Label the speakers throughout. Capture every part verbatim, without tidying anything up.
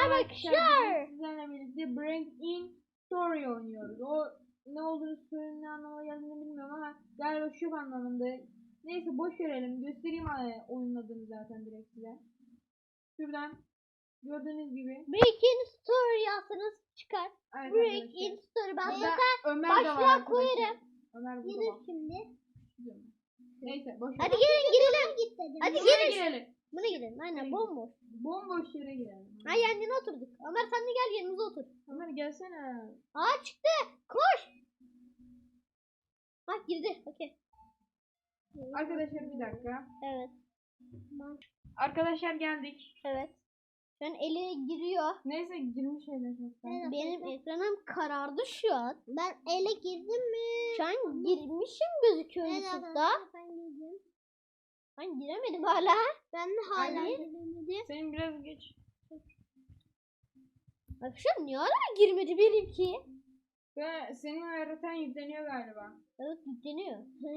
Speaker 1: arkadaşlar.
Speaker 2: Sizlerle birlikte Break In Story oynuyoruz. O ne olduğunu söyleyen ne anlama geldiğini bilmiyorum ama galiba şu anlamında. Neyse boş verelim. Göstereyim oyunun adını zaten direkt size. Şuradan gördüğünüz gibi
Speaker 1: Break In Story yazsanız çıkar.
Speaker 2: evet,
Speaker 1: Break
Speaker 2: arkadaşlar.
Speaker 1: In Story. Ben
Speaker 2: Burada
Speaker 1: zaten
Speaker 2: Ömer de var
Speaker 1: başlığa
Speaker 2: arkadaşlar.
Speaker 1: koyarım.
Speaker 2: Ömer burada
Speaker 1: Gelir
Speaker 2: bak.
Speaker 1: şimdi.
Speaker 2: Neyse boş ver.
Speaker 1: Hadi gelin girelim. Hadi
Speaker 2: Buraya
Speaker 1: gelin.
Speaker 2: girelim.
Speaker 1: Buna girelim. Aynen bomboş.
Speaker 2: Bomboş yere girelim.
Speaker 1: Ha yanına oturduk. Ömer sen de gel yanımıza otur.
Speaker 2: Ömer gelsene.
Speaker 1: Aa çıktı. Koş. Ha girdi. Okey.
Speaker 2: Arkadaşlar bir dakika.
Speaker 1: Evet.
Speaker 2: Arkadaşlar geldik.
Speaker 1: Evet. Şu an eli giriyor.
Speaker 2: Neyse girmiş hele çoktan.
Speaker 1: Benim ekranım karardı şu an. Ben ele girdim mi? Şu an girmişim gözüküyor YouTube'da. Ben girdim. Ben giremedim hala. Ben de hala giremedim.
Speaker 2: Senin biraz geç.
Speaker 1: Bak şu an niye hala girmedi benimki?
Speaker 2: Ve senin haritan yükleniyor galiba.
Speaker 1: Evet yükleniyor.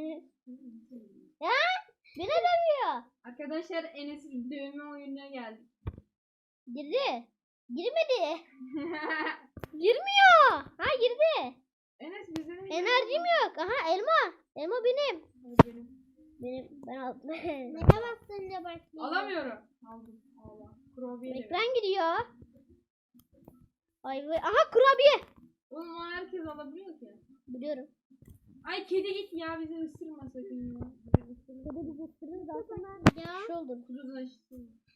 Speaker 1: Ya beni dövüyor.
Speaker 2: Arkadaşlar Enes'in dövme oyununa geldik.
Speaker 1: Girdi. Girmedi. Girmiyor. Ha girdi.
Speaker 2: Enes bize de
Speaker 1: Enerjim yok. Aha elma. Elma benim.
Speaker 2: benim.
Speaker 1: Benim ben aldım.
Speaker 3: Ne bastın ya bak.
Speaker 2: Alamıyorum. Aldım. Allah. Kurabiye de ver.
Speaker 1: Ekran gidiyor. Ay vay. Aha kurabiye.
Speaker 2: Oğlum o herkes alabiliyor ki.
Speaker 1: Biliyorum.
Speaker 2: Ay kedi git ya bizi ısırma sakın ya. Bizi ısırma.
Speaker 1: Kedi bizi ısırır zaten.
Speaker 3: Ya.
Speaker 1: Bir şey oldu.
Speaker 2: Kuduz aşısı.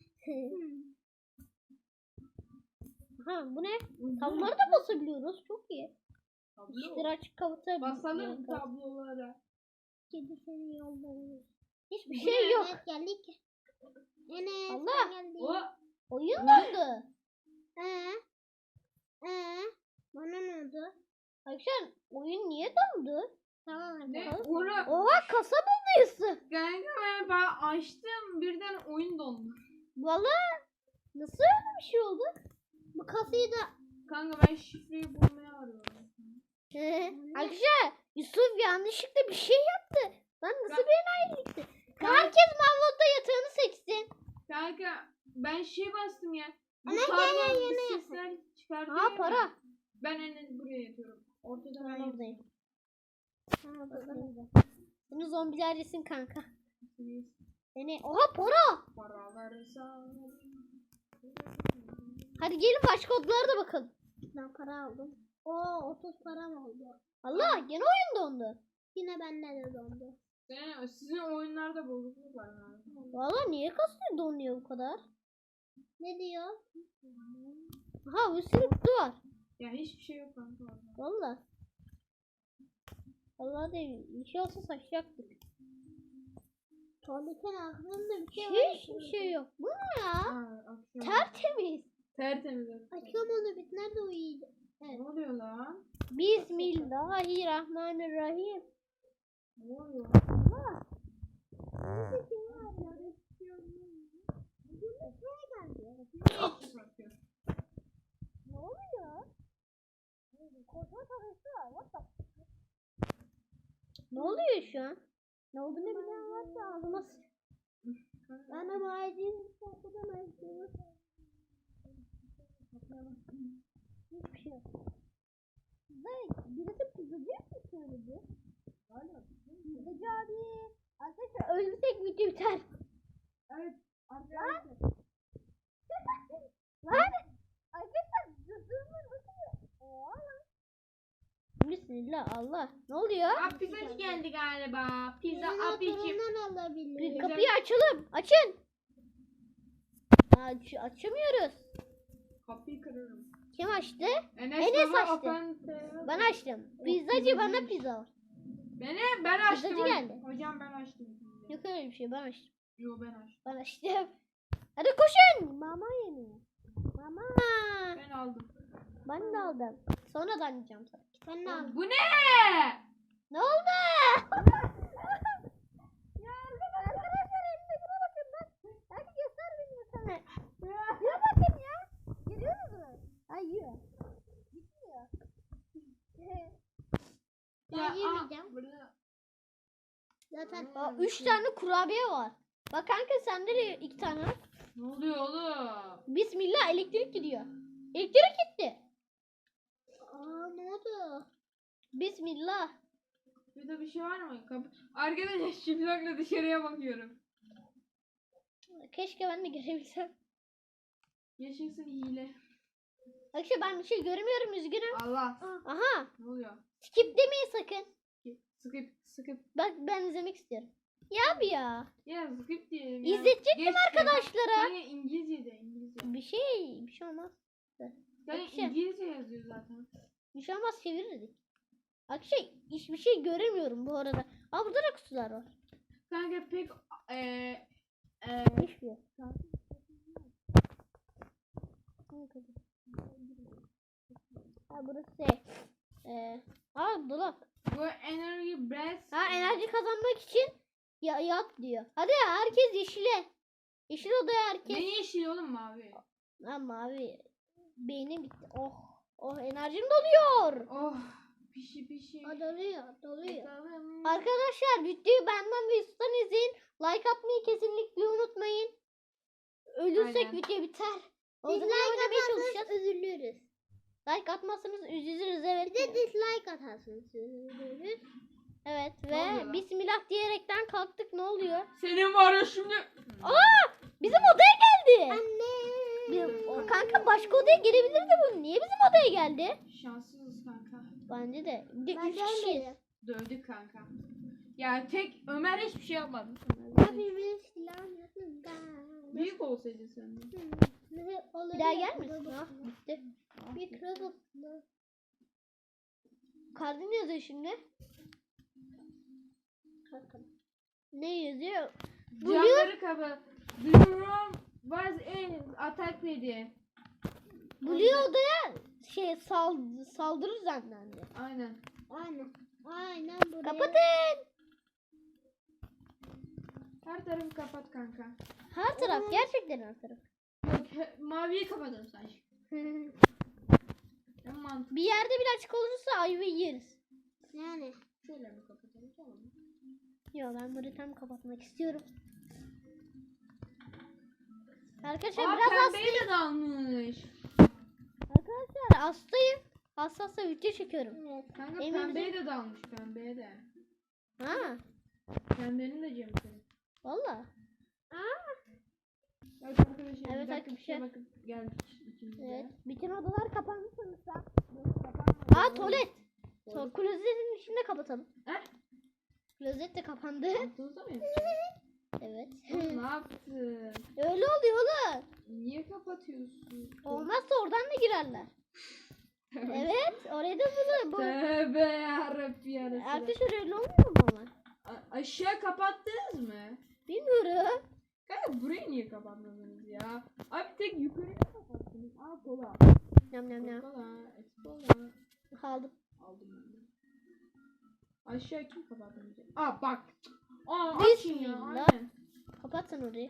Speaker 1: Ha bu ne? Tabloları da basabiliyoruz. Çok iyi. İşleri
Speaker 2: Tablo.
Speaker 1: açık kapatabiliyoruz.
Speaker 2: Basalım tablolara.
Speaker 3: Kedi seni yolluyor.
Speaker 1: Hiçbir şey yok.
Speaker 3: Evet geldik. Enes
Speaker 1: Allah.
Speaker 3: sen geldin.
Speaker 2: O
Speaker 1: Oyun dondu.
Speaker 3: Ee? Ee? Bana ne oldu?
Speaker 1: Arkadaşlar oyun niye dondu?
Speaker 3: Tamam hadi.
Speaker 2: ne?
Speaker 3: bakalım.
Speaker 2: Oğlum.
Speaker 1: Oha kasa bulduyuz.
Speaker 2: Kanka ben, ben açtım birden oyun dondu.
Speaker 1: Valla nasıl öyle bir şey oldu?
Speaker 3: Bu kasayı da
Speaker 2: Kanka ben şifreyi bulmaya arıyorum.
Speaker 1: Arkadaşlar Yusuf yanlışlıkla bir şey yaptı. Lan nasıl
Speaker 2: Ka-
Speaker 1: bir enayilikti? Herkes Mavlot'ta yatağını seçsin.
Speaker 2: Kanka ben şey bastım ya. Bu
Speaker 3: Ana,
Speaker 2: tablo
Speaker 3: gel, gel,
Speaker 2: bir
Speaker 3: gel.
Speaker 2: sesler çıkartıyor.
Speaker 1: Ha
Speaker 2: ya.
Speaker 1: para.
Speaker 2: Ben en buraya yatıyorum. Ortada
Speaker 1: Ben
Speaker 2: ben
Speaker 1: oradayım. Seni zombiler yesin kanka. Seni oha para.
Speaker 2: Paraları sağ.
Speaker 1: Hadi gelin başka odalara da bakalım.
Speaker 3: ben para aldım. Oo otuz param oldu.
Speaker 1: Allah gene oyun dondu.
Speaker 3: Yine bende de dondu.
Speaker 2: Sen, sizin oyunlarda bozukluk var ha.
Speaker 1: Valla niye kasıyor donuyor bu kadar?
Speaker 3: Ne diyor?
Speaker 1: Aha bir sürü kutu var.
Speaker 2: Ya hiçbir şey yok kanka orada.
Speaker 1: Valla. Valla değil. Bir şey olsa saçacaktık.
Speaker 3: Tuvaletin aklımda bir şey var.
Speaker 1: Hiçbir şey yok. Bu ne ya?
Speaker 2: Aa, akşam.
Speaker 1: Tertemiz.
Speaker 2: Tertemiz.
Speaker 3: Akşam oldu bit nerede uyuyacak?
Speaker 2: Ne oluyor lan?
Speaker 1: Bismillahirrahmanirrahim.
Speaker 2: Ne oluyor?
Speaker 1: Allah. Ne oluyor? Korkma tanesi var. What the? Ne oluyor şu an? Ne olduğunu bilen varsa ağzıma sıç.
Speaker 3: Bana macun saklamazsın.
Speaker 1: Hiçbir şey yok. Size birisi pizzacı mı söyledi? Pizzacı abi. Arkadaşlar ölürsek video biter.
Speaker 2: Evet. Arkadaşlar.
Speaker 1: Lan! Arkadaşlar durma nasıl? Oha lan. Bismillah Allah. Ne oluyor?
Speaker 2: Aa, pizzacı geldi galiba. Pizza abicim.
Speaker 3: Torundan alabilir.
Speaker 1: Bir
Speaker 2: Güzel.
Speaker 1: kapıyı açalım. Açın. Aç, açamıyoruz.
Speaker 2: Kapıyı kırarım.
Speaker 1: Kim açtı?
Speaker 2: Enes,
Speaker 1: Enes
Speaker 2: baba,
Speaker 1: açtı.
Speaker 2: open-
Speaker 1: Ben açtım. Pizzacı bana pizza var.
Speaker 2: Beni ben açtım.
Speaker 1: Pizzacı geldi.
Speaker 2: Hocam ben açtım.
Speaker 1: Yok öyle bir şey ben açtım.
Speaker 2: Yo ben açtım.
Speaker 1: Ben açtım. Hadi koşun. Mama yemeği. Mama.
Speaker 2: Ben aldım.
Speaker 1: Ben de aldım. Sonradan yiyeceğim sana.
Speaker 3: Ben de aldım.
Speaker 2: Bu ne?
Speaker 1: Ne oldu? Ya arkadaşlar elimdekine bakın bak. Hadi göster beni sana. Ya bakın ya. Geliyor musunuz? Ay yiyor. Gitmiyor.
Speaker 3: Ben
Speaker 2: Ya,
Speaker 3: yemeyeceğim.
Speaker 2: aa, burada-
Speaker 3: Zaten
Speaker 1: Aa, üç tane kurabiye var. Bak kanka sende de iki tane var.
Speaker 2: Ne oluyor oğlum?
Speaker 1: Bismillah elektrik gidiyor. Elektrik gitti.
Speaker 3: Aa ne oldu?
Speaker 1: Bismillah.
Speaker 2: Burada bir şey var mı? Kapı... Arkadaşlar çıplakla dışarıya bakıyorum.
Speaker 1: Keşke ben de görebilsem.
Speaker 2: Yaşasın hile.
Speaker 1: Arkadaşlar ben bir şey görmüyorum, üzgünüm.
Speaker 2: Allah.
Speaker 1: Aha.
Speaker 2: Ne oluyor?
Speaker 1: Skip demeyin sakın.
Speaker 2: Skip skip.
Speaker 1: Bak ben izlemek istiyorum. Ya abi ya.
Speaker 2: Ya skip diyelim ya.
Speaker 1: İzletecektim
Speaker 2: Geç ya.
Speaker 1: arkadaşlara.
Speaker 2: Yani İngilizce de İngilizce.
Speaker 1: Bir şey, bir şey olmaz.
Speaker 2: Yani
Speaker 1: Ekşi.
Speaker 2: İngilizce yazıyor zaten.
Speaker 1: Bir şey olmaz, çevirirdik. Arkadaşlar hiçbir şey göremiyorum bu arada. Aa burada da kutular var.
Speaker 2: Kanka pek eee eee
Speaker 1: Hiçbir şey yok. Ha burası şey. Ee, aa dolap.
Speaker 2: bu enerji breath.
Speaker 1: Ha enerji kazanmak için ya yat diyor. Hadi ya herkes yeşile. Yeşil odaya herkes.
Speaker 2: Ne yeşil oğlum mavi?
Speaker 1: Lan mavi. Beynim bitti. Oh. Oh enerjim doluyor.
Speaker 2: Oh pişi pişi.
Speaker 3: Aa, doluyor doluyor.
Speaker 2: Bakalım.
Speaker 1: Arkadaşlar videoyu benden ve Yusuf'tan izleyin. Like atmayı kesinlikle unutmayın. Ölürsek
Speaker 2: Aynen.
Speaker 1: video biter. O
Speaker 3: Biz
Speaker 1: zaman
Speaker 3: like
Speaker 1: oynamaya
Speaker 3: atarsanız
Speaker 1: çalışacağız.
Speaker 3: üzülürüz.
Speaker 1: Like atmazsanız üzülürüz evet.
Speaker 3: Bir de dislike atarsınız üzülürüz.
Speaker 1: Evet
Speaker 2: Ne oluyor
Speaker 1: ve
Speaker 2: lan?
Speaker 1: Bismillah diyerekten kalktık, ne oluyor?
Speaker 2: Senin var ya şimdi.
Speaker 1: Aa! Bizim odaya geldi.
Speaker 3: Anne.
Speaker 1: Bir- o kanka başka odaya gelebilirdi bu. Niye bizim odaya geldi?
Speaker 2: Şanssızız kanka.
Speaker 1: Bence de. Bir de
Speaker 3: Ben
Speaker 1: üç kişiyiz.
Speaker 3: gelmedim.
Speaker 2: Dövdük kanka. Ya tek Ömer hiçbir şey yapmadı.
Speaker 3: Hepimiz silahımızda.
Speaker 2: Büyük olsaydı sen de.
Speaker 1: Bir daha gelmesin. Ha, bitti.
Speaker 3: Mikrobotlu.
Speaker 1: Kartı ne yazıyor şimdi? Ne yazıyor?
Speaker 2: Camları kapa. The room was in attack dedi.
Speaker 1: Blue odaya şey sal saldırır zannendi.
Speaker 2: Aynen.
Speaker 3: Aynen. Aynen buraya.
Speaker 1: Kapatın.
Speaker 2: Her tarafı kapat kanka.
Speaker 1: Her taraf, gerçekten her taraf.
Speaker 2: Yok he- maviyi kapatalım sadece. En mantıklı.
Speaker 1: Bir yerde bile açık olursa ayva yeriz.
Speaker 3: Yani.
Speaker 2: Şöyle mi kapatalım tamam mı?
Speaker 1: Yo ben bunu tam kapatmak istiyorum. Arkadaşlar
Speaker 2: Aa
Speaker 1: biraz hastayım.
Speaker 2: pembeyi de dalmış.
Speaker 1: Arkadaşlar hastayım. Hassasla video çekiyorum.
Speaker 3: Evet.
Speaker 2: Kanka
Speaker 1: Emin
Speaker 2: pembeye de dalmış pembeye de.
Speaker 1: Ha,
Speaker 2: Pembenin de cemi senin.
Speaker 1: valla.
Speaker 2: Evet arkadaşlar
Speaker 1: Evet
Speaker 2: bir dakika bir
Speaker 1: arkadaşlar.
Speaker 2: şey bakıp geldik ikimiz de.
Speaker 1: Evet. Bütün odalar kapandı sanırsam.
Speaker 2: Kapanmadı.
Speaker 1: Aa tuvalet. To klozetin içinde kapatalım.
Speaker 2: He?
Speaker 1: Klozet de kapandı.
Speaker 2: Altınızda mı yapıyorsun?
Speaker 1: Evet.
Speaker 2: Oğlum ne yaptın?
Speaker 1: Öyle oluyor oğlum.
Speaker 2: Niye kapatıyorsun?
Speaker 1: Olmazsa oradan da girerler. Evet. Oraya da bunu. Bu.
Speaker 2: Tövbe yarabbim yarası.
Speaker 1: Arkadaşlar öyle olmuyor mu ama?
Speaker 2: A- aşağı kapattınız mı?
Speaker 1: Bilmiyorum.
Speaker 2: Kanka burayı niye kapatmadınız ya? Abi tek yukarıya kapattınız. Aa kola.
Speaker 1: Yam yam yam.
Speaker 2: Kola. Kola.
Speaker 1: Aldım.
Speaker 2: Aldım ben de. Aşağı kim kapatmayacak? Aa bak. Aa açın ya.
Speaker 1: Bismillah.
Speaker 2: Aynen.
Speaker 1: Kapat sen orayı.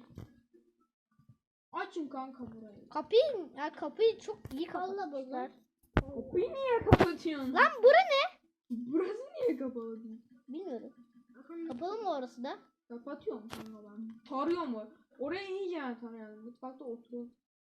Speaker 2: Açın kanka burayı.
Speaker 1: Kapıyı, ya kapıyı çok iyi
Speaker 3: Valla
Speaker 1: kapatmışlar.
Speaker 2: Kapıyı niye kapatıyorsun?
Speaker 1: Lan bura ne?
Speaker 2: Burası niye kapalı?
Speaker 1: Bilmiyorum. Kapalı mı orası da?
Speaker 2: Kapatıyor mu kanka ben? Tarıyor mu? Oraya iyice yani tarayalım. Mutfakta oturuyor.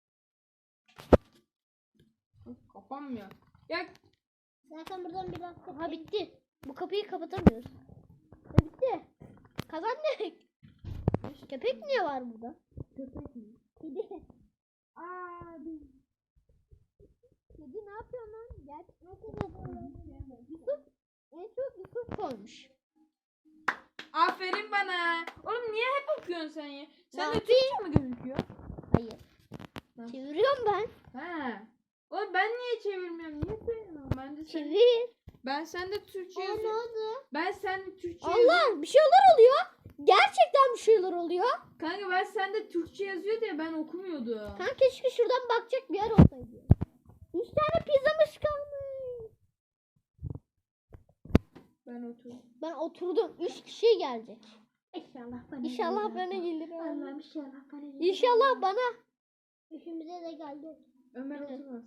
Speaker 2: Kapanmıyor. Ya
Speaker 3: Zaten buradan biraz
Speaker 1: Ha bitti. Bu kapıyı kapatamıyoruz. Ha, bitti. Kazandık. Köpek niye var burada?
Speaker 2: köpek mi?
Speaker 1: Kedi.
Speaker 2: Aa biz
Speaker 1: Kedi ne yapıyor lan? Gel. Yusuf. En çok Yusuf koymuş.
Speaker 2: aferin bana. Oğlum niye hep okuyorsun sen ya? Sen de
Speaker 1: Ne
Speaker 2: Türkçe mi gözüküyor?
Speaker 1: Hayır.
Speaker 2: Ha.
Speaker 1: Çeviriyorum ben.
Speaker 2: He. Oğlum ben niye çevirmiyorum? Niye söylemiyorum? Ben de sen,
Speaker 1: Çevir.
Speaker 2: ben sende Türkçe
Speaker 3: Aa, ne
Speaker 2: yazıyorum.
Speaker 3: oldu?
Speaker 2: Ben sende Türkçe yazıyorum.
Speaker 1: Allah bir şeyler oluyor. Gerçekten bir şeyler oluyor.
Speaker 2: Kanka ben sende Türkçe yazıyor diye ben okumuyordum.
Speaker 1: Kanka keşke şuradan bakacak bir yer olsaydı. Üç tane pizzamız kalmış.
Speaker 2: Ben oturdum.
Speaker 1: Ben oturdum. Üç kişi gelecek.
Speaker 3: İnşallah bana.
Speaker 1: İnşallah bana gelir.
Speaker 3: Allah'ım inşallah bana. gelir.
Speaker 1: İnşallah bana.
Speaker 3: Üçümüze de geldi.
Speaker 2: Ömer
Speaker 1: Evet.
Speaker 2: oturmaz.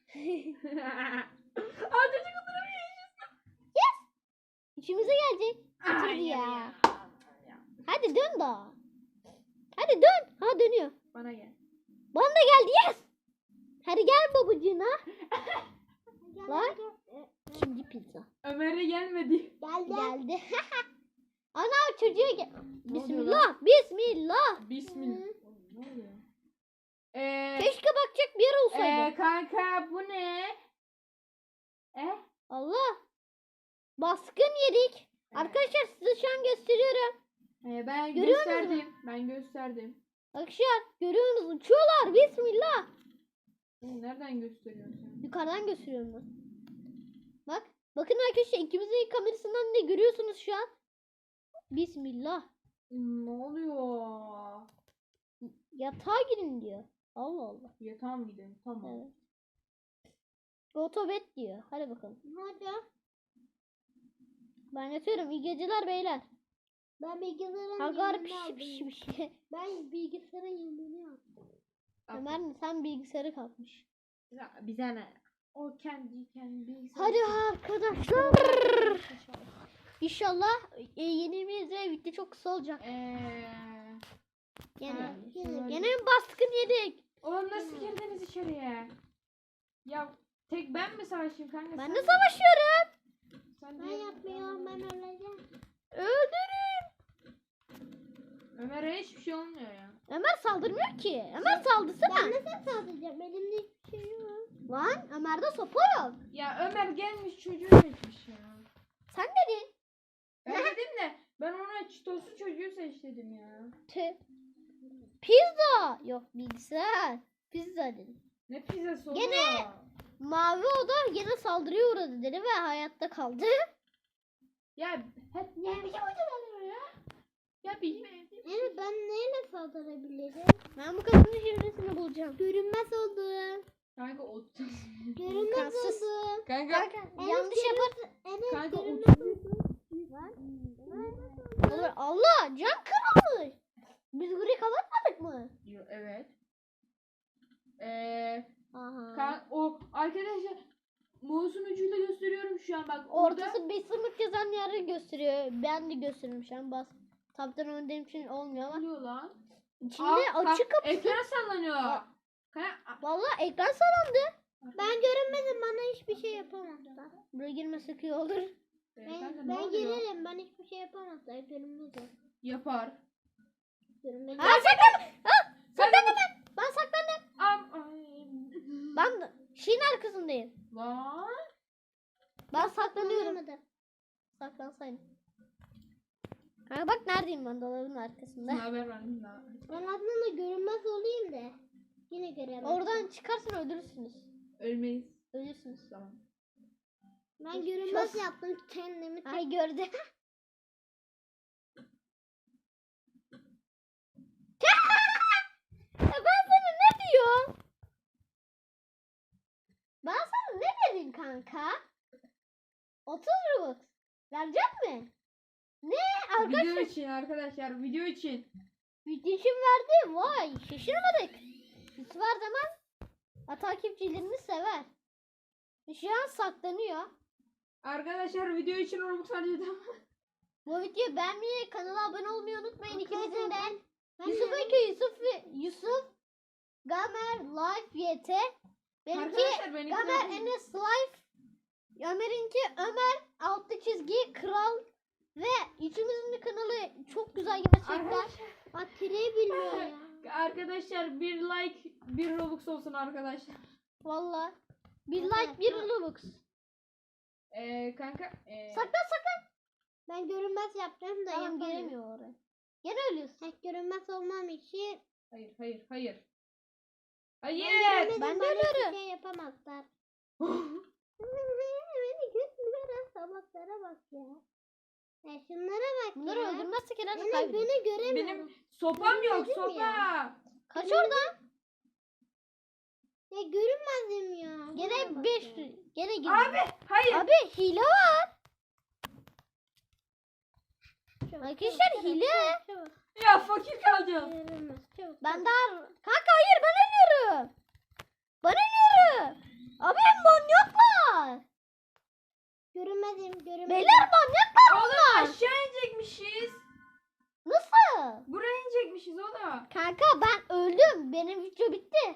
Speaker 2: Aa çocuk oturamıyor.
Speaker 1: İçimize gelecek. Otur
Speaker 2: Ay,
Speaker 1: ya.
Speaker 2: ya.
Speaker 1: Hadi dön daha. Hadi dön. Ha dönüyor.
Speaker 2: Bana gel.
Speaker 1: Bana da geldi, yes. Hadi gel babacığına. Lan. İkinci pizza.
Speaker 2: Ömer'e gelmedi.
Speaker 3: Geldi.
Speaker 1: Geldi. Ana çocuğa gel.
Speaker 2: Ne oluyor
Speaker 1: Bismillah. Bismillah.
Speaker 2: Bismillah. Ne oluyor? Ee,
Speaker 1: Keşke bakacak bir yer olsaydı.
Speaker 2: ee, kanka bu ne? Eh?
Speaker 1: Allah. Baskın yedik. Arkadaşlar size şu an gösteriyorum.
Speaker 2: Ee, ben
Speaker 1: Görüyor
Speaker 2: gösterdim. Ben gösterdim.
Speaker 1: Arkadaşlar görüyorsunuz uçuyorlar. Bismillah.
Speaker 2: Ee, Nereden gösteriyorsun sen?
Speaker 1: Yukarıdan gösteriyorum ben. Bak. Bakın arkadaşlar ikimizin kamerasından ne görüyorsunuz şu an? Bismillah.
Speaker 2: Ne oluyor?
Speaker 1: Yatağa girin diyor. Allah Allah.
Speaker 2: Yatağa mı gidelim? Tamam.
Speaker 1: Evet. Otobet diyor. Hadi bakalım.
Speaker 3: Hadi.
Speaker 1: Ben yatıyorum. İyi geceler beyler.
Speaker 3: Ben bilgisayarın
Speaker 1: Hagar
Speaker 3: yemeğini
Speaker 1: piş
Speaker 3: aldım.
Speaker 1: piş piş.
Speaker 3: Ben bilgisayarın yemeğini aldım.
Speaker 1: Ömer mi? Sen bilgisayarı kalkmış.
Speaker 2: Ya, bize ne? O kendi kendi bilgisayarı-
Speaker 1: Hadi arkadaşlar. İnşallah e, yenimiz ve video çok kısa olacak.
Speaker 2: Eee.
Speaker 1: Gene.
Speaker 2: Ha,
Speaker 1: Gene,
Speaker 2: şöyle.
Speaker 1: gene mi baskın yedik?
Speaker 2: Oğlum nasıl girdiniz içeriye? Ya tek ben mi savaşayım kanka?
Speaker 1: Ben
Speaker 2: sen
Speaker 1: de savaşıyorum.
Speaker 2: Sen
Speaker 3: Ben
Speaker 2: de-
Speaker 3: yapmıyorum, ben öleceğim.
Speaker 1: Öldürün.
Speaker 2: Ömer'e hiçbir şey olmuyor ya.
Speaker 1: Ömer saldırmıyor ki. Ömer saldırsana.
Speaker 3: Ben nasıl saldıracağım? Elimde hiçbir şey yok.
Speaker 1: Lan Ömer'de sopa yok.
Speaker 2: Ya Ömer gelmiş çocuğu seçmiş ya.
Speaker 1: Sen dedin.
Speaker 2: Ben dedim de ben ona çitoslu çocuğu seç dedim ya.
Speaker 1: Tüh. Pizza. Yok bilgisayar. Pizza dedim.
Speaker 2: Ne pizzası oluyor?
Speaker 1: Gene- Mavi oda yine saldırıya uğradı dedi ve hayatta kaldı.
Speaker 2: Ya hep niye bir şey oluyor ya? Ya bir
Speaker 3: Evet, ben neyle saldırabilirim?
Speaker 1: Ben bu kadının çevresini bulacağım.
Speaker 3: Görünmez oldum.
Speaker 2: Kanka ot.
Speaker 3: Görünmez
Speaker 1: İmkansız.
Speaker 3: oldum.
Speaker 2: Kanka.
Speaker 1: Yanlış yapar.
Speaker 3: Evet,
Speaker 2: Kanka
Speaker 3: görünmez
Speaker 2: ot.
Speaker 3: oldum.
Speaker 1: Olur. Allah can kırılmış. Biz burayı kapatmadık mı?
Speaker 2: Yo, evet. Eee
Speaker 1: Aha.
Speaker 2: kan o arkadaşlar mouse'un ucuyla gösteriyorum şu an bak orada.
Speaker 1: Ortası bir sınıf yazan yeri gösteriyor. Ben de gösteriyorum şu an. Bas. Tabdan öndeyim için olmuyor
Speaker 2: Ne
Speaker 1: ama.
Speaker 2: oluyor lan?
Speaker 1: İçinde
Speaker 2: Aa,
Speaker 1: açık
Speaker 2: ka-
Speaker 1: kapısı.
Speaker 2: Ekran sallanıyor.
Speaker 1: Aa.
Speaker 2: Kanka,
Speaker 1: Vallahi ekran sallandı.
Speaker 3: Ben görünmedim, bana hiçbir şey yapamazlar.
Speaker 1: Buraya girmesek iyi olur.
Speaker 2: e, kanka,
Speaker 3: Ben,
Speaker 2: ne
Speaker 3: ben
Speaker 2: oluyor?
Speaker 3: gelirim, ben hiçbir şey yapamazlar. Görünmezim.
Speaker 2: Yapar.
Speaker 3: Görünmezim.
Speaker 1: Ha saklan. Ha,
Speaker 2: Sen
Speaker 1: saklandım ben. Ben saklandım.
Speaker 2: Am ay.
Speaker 1: Ben de şeyin arkasındayım.
Speaker 2: Lan.
Speaker 1: Ben saklanıyorum.
Speaker 3: Görünmedim.
Speaker 1: Saklansaydım. Ha bak neredeyim ben, dolabın arkasında.
Speaker 2: Ne haber ben? Ne haber?
Speaker 3: Ben aslında görünmez olayım da. Yine göremem.
Speaker 1: Oradan çıkarsan öldürürsünüz.
Speaker 2: Ölmeyiz.
Speaker 1: Ölürsünüz.
Speaker 2: Tamam.
Speaker 3: Ben görünmez
Speaker 1: Şos.
Speaker 3: yaptım kendimi.
Speaker 1: Ay gördü. Ya ben sana ne diyorum? Ben sana ne dedim kanka? otuz Robux. Verecek mi? Ne?
Speaker 2: Video
Speaker 1: Arkadaşlar
Speaker 2: için arkadaşlar video için.
Speaker 1: video için verdi. Vay şaşırmadık. Yusuf her zaman ha, takipçilerini sever. Şu an saklanıyor.
Speaker 2: Arkadaşlar video için Robux harcadım.
Speaker 1: Bu videoyu beğenmeyi, kanala abone olmayı unutmayın. İkimizin de.
Speaker 3: Ben
Speaker 1: Yusuf
Speaker 3: de-
Speaker 1: Eke, Yusuf ve Yusuf Gamer Life Y T. Benimki
Speaker 2: Arkadaşlar ben
Speaker 1: Gamer Enes Life. Ömer'inki Ömer altı çizgi Kral. Ve üçümüzün de kanalı çok güzel gerçekten.
Speaker 2: Arkadaşlar,
Speaker 3: Bak tireyi bilmiyor ya.
Speaker 2: arkadaşlar bir like bir Robux olsun arkadaşlar.
Speaker 1: Valla. Bir like bir Robux.
Speaker 2: Ee, kanka. ee,
Speaker 1: Saklan saklan.
Speaker 3: Ben görünmez yaptım da
Speaker 1: Tamam
Speaker 3: yapamıyorum.
Speaker 1: gelemiyor oraya. Gene ölüyorsun.
Speaker 3: Tek görünmez olmam için
Speaker 2: Hayır hayır hayır.
Speaker 3: ben
Speaker 2: Hayır.
Speaker 3: görünmedim,
Speaker 1: ben de
Speaker 3: bana hiçbir
Speaker 1: ölüyorum.
Speaker 3: şey yapamazlar. Beni götürüyor, salaklara bak ya. Ya şunlara bak
Speaker 1: Bunları
Speaker 3: ya.
Speaker 1: öldürmezsek herhalde
Speaker 3: Beni,
Speaker 1: kaybederiz.
Speaker 3: beni göremiyorum.
Speaker 2: Benim sopam yok
Speaker 3: Görmedim
Speaker 2: sopa.
Speaker 3: ya.
Speaker 1: Kaç oradan?
Speaker 3: Ya görünmezdim ya. Buna
Speaker 1: Gene
Speaker 3: bak
Speaker 1: beş.
Speaker 3: ya.
Speaker 1: Gene gir.
Speaker 2: Abi hayır.
Speaker 1: Abi hile var.
Speaker 3: Çabuk,
Speaker 1: Arkadaşlar
Speaker 3: çabuk,
Speaker 1: hile.
Speaker 3: çabuk, çabuk.
Speaker 2: Ya fakir kalacağım.
Speaker 3: Görünmez. Çabuk.
Speaker 1: Ben daha... Kanka hayır ben ölüyorum. Ben ölüyorum. Abi manyaklar.
Speaker 3: Görünmezim, görünmezim.
Speaker 1: Beyler manyaklar
Speaker 2: Oğlum
Speaker 1: bunlar.
Speaker 2: aşağı inecekmişiz.
Speaker 1: Nasıl?
Speaker 2: Buraya inecekmişiz oğlum.
Speaker 1: Kanka ben öldüm. Benim video bitti.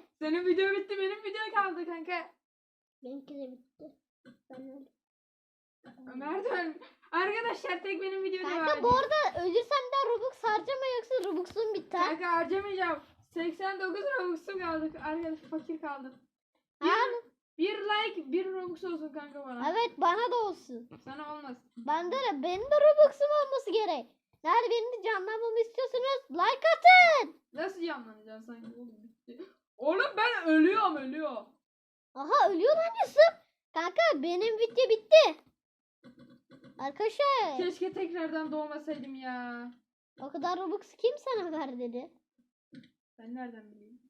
Speaker 3: Benimki de bitti. Ben öldüm.
Speaker 2: Ömer dön. Arkadaşlar tek benim videom devam
Speaker 1: Kanka bu
Speaker 2: ediyor.
Speaker 1: arada ölürsem de Robux harcama yoksa Robux'un biter.
Speaker 2: Kanka harcamayacağım. seksen dokuz Robux'um kaldı. Arkadaş fakir kaldım.
Speaker 1: Ha?
Speaker 2: Bir like bir Robux olsun kanka bana.
Speaker 1: Evet bana da olsun.
Speaker 2: Sana olmaz.
Speaker 1: Bende de benim de Robux'um olması gerek. Nerede benim de canlanmamı istiyorsunuz? Like atın.
Speaker 2: Nasıl canlanacaksın sanki oğlum bitti. Oğlum ben ölüyorum ölüyor.
Speaker 1: Aha ölüyor lan Yusuf. Kanka benim video bitti. Arkadaşlar
Speaker 2: Keşke tekrardan doğmasaydım ya.
Speaker 1: o kadar Robux kim sana ver dedi.
Speaker 2: Ben nereden bileyim?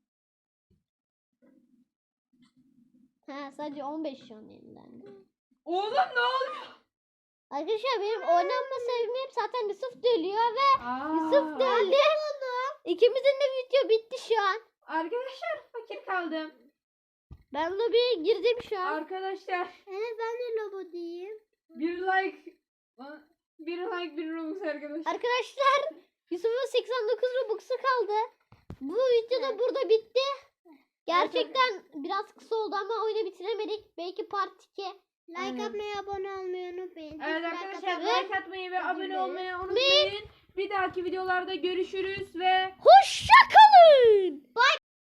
Speaker 1: Ha sadece on beş şu an elinden.
Speaker 2: Oğlum ne oluyor?
Speaker 1: Arkadaşlar benim oynanma sebebim zaten Yusuf da ölüyor ve
Speaker 2: Aa,
Speaker 1: Yusuf da öldü. İkimizin de video bitti şu an.
Speaker 2: Arkadaşlar fakir kaldım.
Speaker 1: Ben lobiye girdim şu an.
Speaker 2: Arkadaşlar
Speaker 3: Evet ben de lobo diyeyim.
Speaker 2: bir like bir like bir Robux arkadaşlar.
Speaker 1: Arkadaşlar Yusuf'un seksen dokuz Robux'u kaldı. Bu video da burada bitti. Gerçekten biraz kısa oldu ama oyunu bitiremedik. Belki part iki.
Speaker 3: Like
Speaker 2: Aynen.
Speaker 3: atmayı, abone olmayı unutmayın.
Speaker 2: Evet
Speaker 3: Like
Speaker 2: arkadaşlar
Speaker 3: atmayı-
Speaker 2: like atmayı ve abone
Speaker 3: dilerim.
Speaker 2: olmayı unutmayın. Bir dahaki videolarda görüşürüz ve
Speaker 1: Hoşça kalın. Bye.